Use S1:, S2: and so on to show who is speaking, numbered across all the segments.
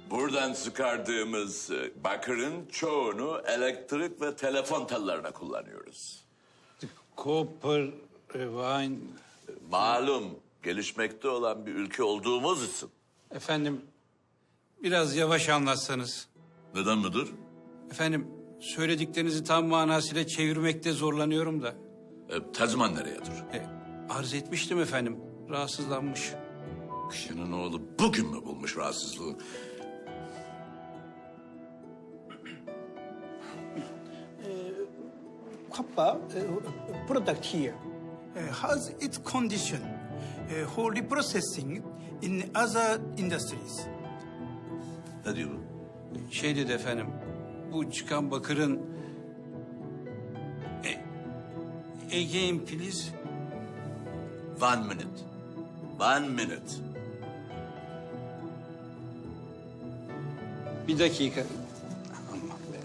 S1: Buradan çıkardığımız bakırın çoğunu elektrik ve telefon tellerine kullanıyoruz.
S2: Copper, wine...
S1: Malum gelişmekte olan bir ülke olduğumuz için.
S2: Efendim, biraz yavaş anlatsanız.
S1: Neden müdür?
S2: Efendim, söylediklerinizi tam manasıyla çevirmekte zorlanıyorum da.
S1: Tercüman nereyedir?
S2: Arz etmiştim efendim, rahatsızlanmış.
S1: Kişinin oğlu bugün mü bulmuş rahatsızlığı?
S3: Copper product here has its condition for reprocessing in other industries.
S1: Ne diyor bu?
S2: Şey dedi efendim, bu çıkan bakırın... Again please.
S1: 1 minute. 1 minute.
S2: Bir dakika. Aman be.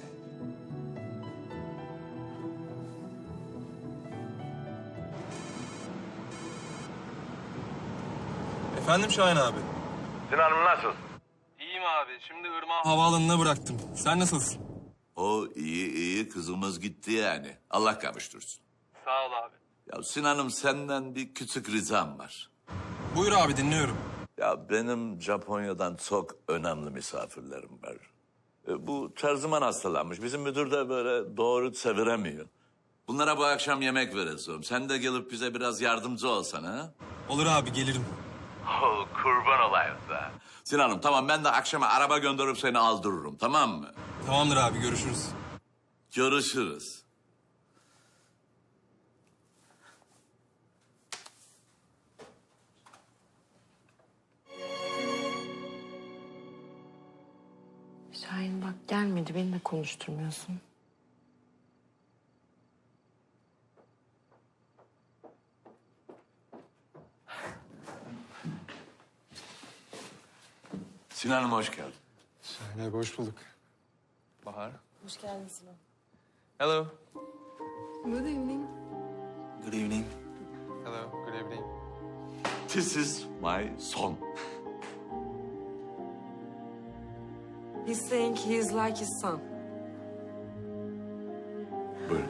S4: Efendim Şahin abi.
S5: Sinan'ım nasıl?
S4: İyiyim abi. Şimdi Irmak'ı havaalanına bıraktım. Sen nasılsın?
S1: O iyi kızımız gitti yani. Allah kavuştursun.
S4: Sağ ol abi.
S1: Ya Sinan'ım senden bir küçük ricam var.
S4: Buyur abi dinliyorum.
S1: Ya benim Japonya'dan çok önemli misafirlerim var. Bu terziman hastalanmış. Bizim müdür de böyle doğru çeviremiyor. Bunlara bu akşam yemek vereceğim. Sen de gelip bize biraz yardımcı olsana ha?
S4: Olur abi gelirim.
S1: Oh, kurban olayım da. Sinan'ım tamam ben de akşama araba gönderip seni aldırırım tamam mı?
S4: Tamamdır abi görüşürüz.
S1: Görüşürüz.
S6: Şahin bak gelmedi, beni de konuşturmuyorsun.
S1: Sinan'ım hoş geldin.
S4: Şahin abi hoş bulduk. Bahar.
S6: Hoş geldin Sinan.
S4: Hello.
S6: Good evening.
S4: Good evening. Hello. Good evening.
S1: This is my son.
S6: He's saying he is like his son.
S1: Buyurun.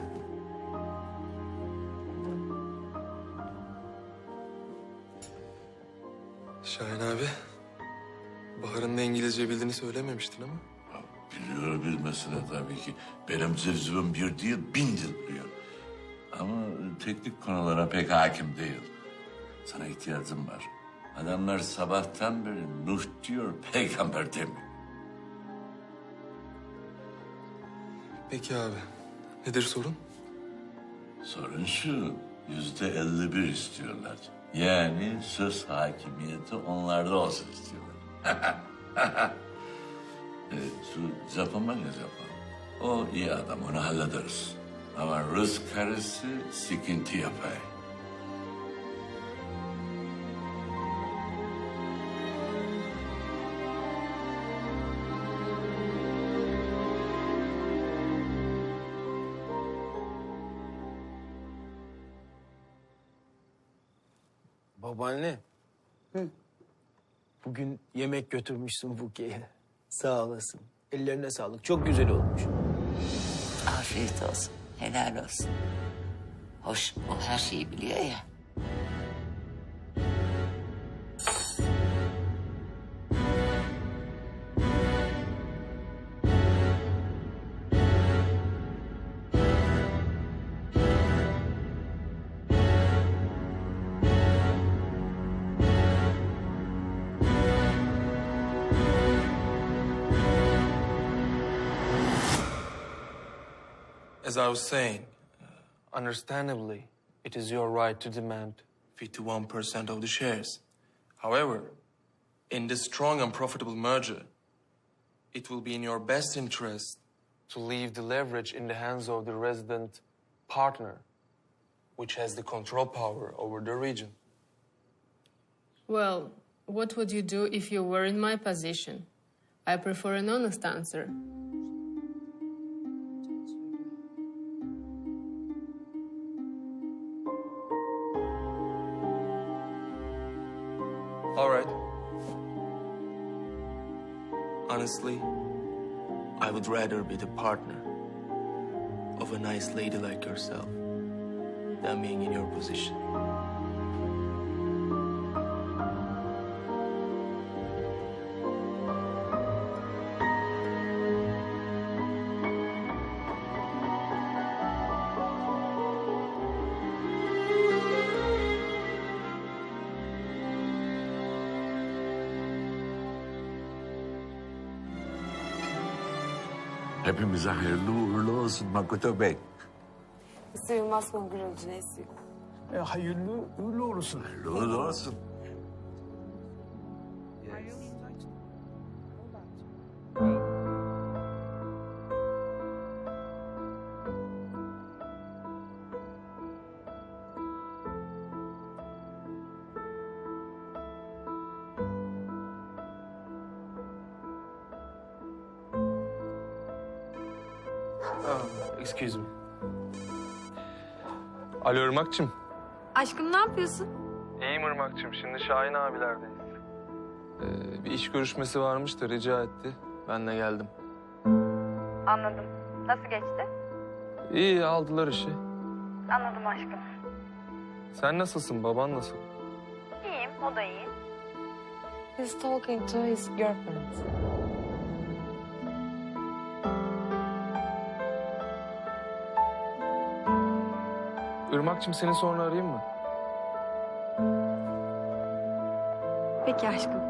S4: Şahin abi. Bahar'ın da İngilizce bildiğini söylememiştin ama.
S1: Ya, biliyor bilmesine tabii ki. Benim civcivim bir değil 1000 dil biliyor. Ama teknik konulara pek hakim değil. Sana ihtiyacım var. Adamlar sabahtan beri Nuh diyor, peygamber demiyor.
S4: Peki abi. Nedir sorun?
S1: Sorun şu, %51 istiyorlar. Yani söz hakimiyeti onlarda olsun istiyorlar. Şu Japon var ya Japon. O iyi adam, onu hallederiz. Ama Rus karısı sıkıntı yapar.
S7: Babaanne. Bugün yemek götürmüşsün Buke'ye. Sağ olasın. Ellerine sağlık. Çok güzel olmuş.
S8: Afiyet olsun, helal olsun. Hoş, o her şeyi biliyor ya.
S4: As I was saying, understandably, it is your right to demand 51% of the shares. However, in this strong and profitable merger, it will be in your best interest to leave the leverage in the hands of the resident partner, which has the control power over the region.
S9: Well, what would you do if you were in my position? I prefer an honest answer.
S4: All right. Honestly, I would rather be the partner of a nice lady like yourself than being in your position.
S1: Hepimize hayırlı uğurlu olsun Makoto Bey.
S6: Sığmaz kongre neyse.
S7: Hayırlı uğurlu olsun.
S1: Hayırlı uğurlu olsun.
S4: Excuse me. Alo Irmak'cığım.
S6: Aşkım ne yapıyorsun?
S4: İyiyim Irmak'cığım. Şimdi Şahin abilerdeyiz. Bir iş görüşmesi varmış da rica etti. Ben de geldim.
S5: Anladım. Nasıl geçti?
S4: İyi aldılar işi.
S5: Anladım aşkım.
S4: Sen nasılsın? Baban nasıl?
S5: İyiyim, o da iyi.
S6: He's talking to his girlfriend.
S4: Irmak'cığım seni sonra arayayım mı?
S6: Peki aşkım.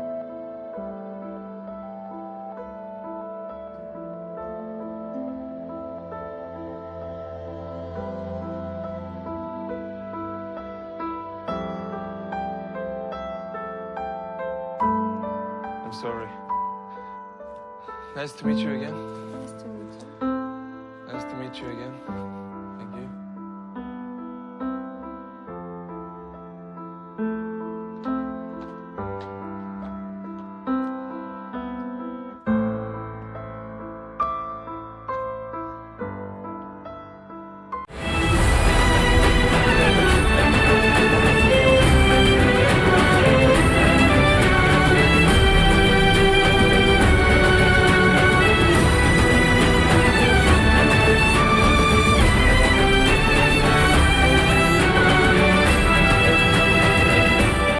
S4: I'm sorry. Nice to meet you again.
S6: Nice to meet you.
S4: Nice to meet you again.